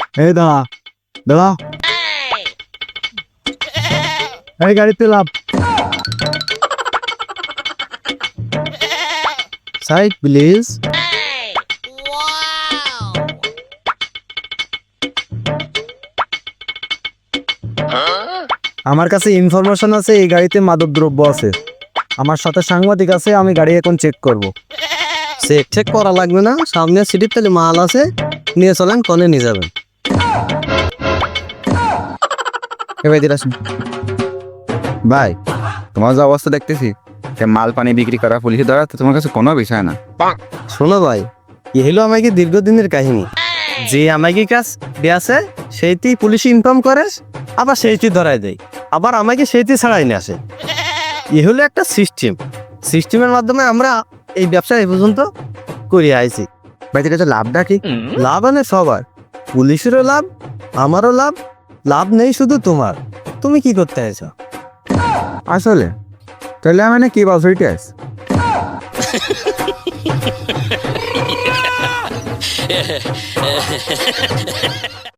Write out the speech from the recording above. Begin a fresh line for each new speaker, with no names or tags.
এই দাঁড়া দাঁড়া, এই গাড়িতে লাভ। Side please. আমার কাছে ইনফরমেশন আছে এই গাড়িতে মাদক দ্রব্য আছে। আমার সাথে সাংবাদিক আছে, আমি গাড়ি এখন চেক করব।
চেক করা লাগবে না, সামনে সিটির তাহলে মাল আছে, নিয়ে চলেন, কনে নিয়ে যাবেন।
এবার আসুন ভাই, তোমার যে অবস্থা দেখতেছি, মাল পানি বিক্রি করা, পুলিশে ধরা তো তোমার কাছে কোনো বিষয় না।
শোনো ভাই, এ হলো আমাকে দীর্ঘদিনের কাহিনী। যে আমাকে কাজ দেয়াছে সেইটি পুলিশ ইনফর্ম করে, আবার সেইটি ধরাই দেয়, আবার আমাকে সেইটি ছাড়াই নিয়ে আসে। এ হলো একটা সিস্টেমের মাধ্যমে আমরা এই ব্যবসা এই পর্যন্ত করে আইছি।
ভাই এটা লাভটা কি?
লাভ আনে সবার, পুলিশেরও লাভ, আমারও লাভ। লাভ নেই শুধু তোমার, তুমি কি করতে চাইছো?
আসলে তাহলে মানে কি বলছো এটা?